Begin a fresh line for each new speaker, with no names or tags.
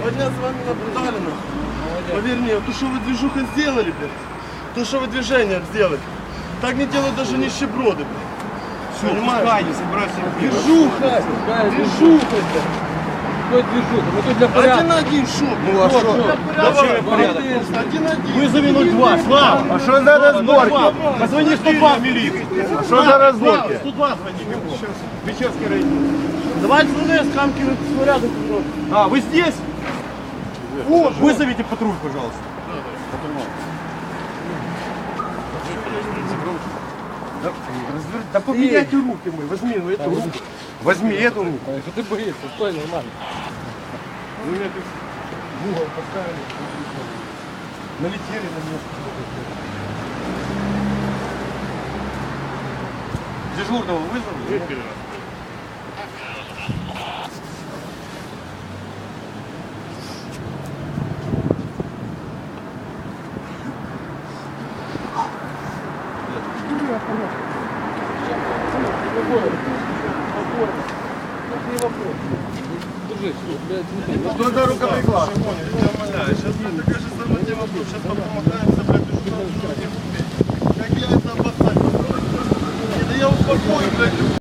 2 дня с вами наблюдали, нахуй. Поверь мне, то, что вы движуха сделали, блядь, то, что вы движение сделали, так не делают даже нищеброды, блядь.
Все, пускай, не собирайся.
Движуха, блядь.
Какой движуха? Мы тут для
Один
порядка.
на один, шо?
Ну а что?
Давай,
порядок.
один на один.
Вызови 02, Слава!
А что за разборки?
Позвони 102 в милицию.
А что за разборки?
102 звони.
Печерский район.
Давайте с камки снаряды.
А, вы здесь? Вызовите патруль, пожалуйста.
Да поменяйте руки мы, возьми эту руку. Возьми эту руку.
Что ты боишься? Стой, нормально.
Вы меня тут в угол поставили. Налетели на меня. Дежурного вызвали? Что за рукоприкладство?
Сейчас такая же самая тема, сейчас помахаемся, блядь, как я это обоссать? Да я успокою, блядь.